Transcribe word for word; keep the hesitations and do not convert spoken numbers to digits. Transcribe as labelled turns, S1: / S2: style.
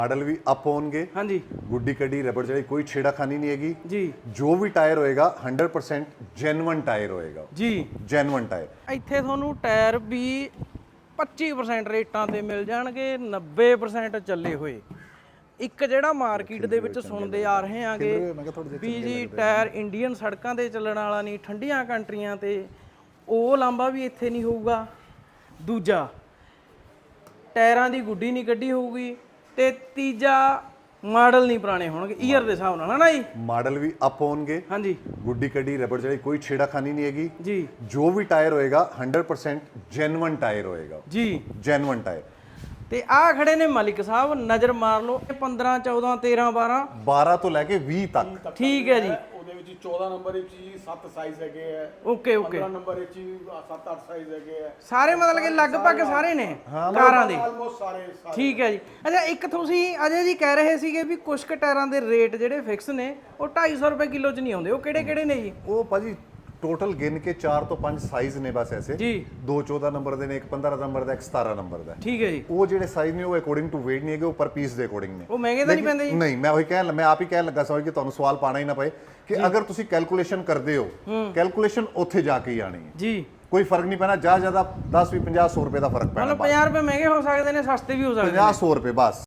S1: Model भी up होंगे।
S2: हाँ जी
S1: गुड्डी कड्डी रबड़ चढ़ाई कोई छेड़ाखानी नहीं हैगी
S2: जी।
S1: जो भी टायर होएगा हंड्रेड परसेंट जेन्युइन टायर होएगा
S2: जी।
S1: जेन्युइन टायर
S2: ਇੱਥੇ ਤੁਹਾਨੂੰ ਟਾਇਰ ਵੀ ਪੱਚੀ ਪਰਸੈਂਟ ਰੇਟਾਂ ਤੇ ਮਿਲ ਜਾਣਗੇ, ਨੱਬੇ ਪਰਸੈਂਟ ਚੱਲੇ ਹੋਏ। ਇੱਕ ਜਿਹੜਾ ਮਾਰਕੀਟ ਦੇ ਵਿੱਚ ਸੁਣਦੇ ਆ ਰਹੇ ਆਂਗੇ ਵੀ ਜੀ ਟਾਇਰ ਇੰਡੀਅਨ ਸੜਕਾਂ ਤੇ ਚੱਲਣ ਵਾਲਾ ਨਹੀਂ, ਠੰਡੀਆਂ ਕੰਟਰੀਆਂ ਤੇ, ਉਹ ਲਾਂਭਾ ਵੀ ਇੱਥੇ ਨਹੀਂ ਹੋਊਗਾ। ਦੂਜਾ ਟਾਇਰਾਂ ਦੀ ਗੁੱਡੀ ਨਹੀਂ ਕੱਢੀ ਹੋਊਗੀ, ਤੇ ਤੀਜਾ ਮਾਡਲ ਨਹੀਂ ਪੁਰਾਣੇ ਹੋਣਗੇ ਈਅਰ ਦੇ ਹਿਸਾਬ ਨਾਲ, ਹੈ ਨਾ ਜੀ।
S1: मॉडल भी अप होंगे।
S2: हाँ जी
S1: गुड्डी कड्डी रबड़ चढ़ाई कोई छेड़ाखानी नहीं हैगी
S2: जी
S1: जो भी टायर होएगा हंड्रेड परसेंट जेन्युइन टायर होएगा
S2: जी।
S1: Genuine tyre.
S2: ਤੇ ਆ ਖੜੇ ਨੇ ਮਲਿਕ ਸਾਹਿਬ, ਨਜ਼ਰ ਮਾਰ ਲਓ। ਪੰਦਰਾਂ ਚੌਦਾਂ ਤੇਰਾਂ ਬਾਰਾਂ
S1: बारह तो लेके बीस तक।
S2: ਠੀਕ ਹੈ ਜੀ।
S3: ਉਹਦੇ ਵਿੱਚ ਚੌਦਾਂ ਨੰਬਰ ਵਿੱਚ ਜੀ ਸੱਤ ਸਾਈਜ਼ ਹੈਗੇ ਆ,
S2: ਓਕੇ ਓਕੇ।
S3: ਪੰਦਰਾਂ ਨੰਬਰ ਵਿੱਚ ਜੀ ਸੱਤ ਅੱਠ ਸਾਈਜ਼ ਹੈਗੇ ਆ,
S2: ਸਾਰੇ ਮਤਲਬ ਕਿ ਲਗਭਗ ਸਾਰੇ ਨੇ ਕਾਰਾਂ ਦੇ।
S3: ਆਲਮੋਸਟ ਸਾਰੇ ਸਾਰੇ।
S2: ਠੀਕ ਹੈ ਜੀ। ਅੱਛਾ ਇੱਕ ਤੁਸੀਂ ਅਜੇ ਜੀ ਕਹਿ ਰਹੇ ਸੀਗੇ ਵੀ ਕੁਝ ਕੁ ਟਾਇਰਾਂ ਦੇ ਰੇਟ ਜਿਹੜੇ ਫਿਕਸ ਨੇ ਉਹ ਢਾਈ ਸੌ ਰੁਪਏ ਕਿਲੋ ਚ ਨਹੀਂ ਆਉਂਦੇ, ਉਹ ਕਿਹੜੇ ਕਿਹੜੇ ਨੇ ਜੀ?
S1: वो भाजी टोटल गिन के चार तो पांच साइज ने बस ऐसे
S2: जी।
S1: दो चौदह नंबर ਦੇ ਨੇ, ਇੱਕ ਪੰਦਰਾਂ ਨੰਬਰ ਦਾ, ਇੱਕ ਸਤਾਰਾਂ ਨੰਬਰ ਦਾ।
S2: ਠੀਕ ਹੈ ਜੀ।
S1: ਉਹ ਜਿਹੜੇ ਸਾਈਜ਼ ਨੇ ਉਹ ਅਕੋਰਡਿੰਗ ਟੂ weight ਨਹੀਂ ਹੈਗੇ, ਉਹ ਪਰ ਪੀਸ ਦੇ ਅਕੋਰਡਿੰਗ ਨੇ।
S2: ਉਹ ਮਹਿੰਗੇ ਤਾਂ ਨਹੀਂ ਪੈਂਦੇ ਜੀ?
S1: ਨਹੀਂ, ਮੈਂ ਉਹੀ ਕਹਿਣ ਮੈਂ ਆਪ ਹੀ ਕਹਿਣ ਲੱਗਾ ਸੀ ਕਿ ਤੁਹਾਨੂੰ ਸਵਾਲ ਪਾਣਾ ਹੀ ਨਾ ਪਏ ਕਿ ਅਗਰ ਤੁਸੀਂ ਕੈਲਕੂਲੇਸ਼ਨ ਕਰਦੇ ਹੋ, ਕੈਲਕੂਲੇਸ਼ਨ ਉੱਥੇ ਜਾ ਕੇ ਹੀ ਆਣੀ ਹੈ।
S2: ਜੀ
S1: ਕੋਈ ਫਰਕ ਨਹੀਂ ਪੈਣਾ, ਜ਼ਿਆਦਾ ਜ਼ਿਆਦਾ ਦਸ ਵੀ ਪੰਜਾਹ ਸੌ ਰੁਪਏ ਦਾ ਫਰਕ ਪੈਣਾ।
S2: ਮਤਲਬ ਪੰਜਾਹ ਰੁਪਏ ਮਹਿੰਗੇ ਹੋ ਸਕਦੇ ਨੇ, ਸਸਤੇ ਵੀ ਹੋ ਸਕਦੇ ਨੇ।
S1: ਪੰਜਾਹ ਸੌ ਰੁਪਏ ਬਸ।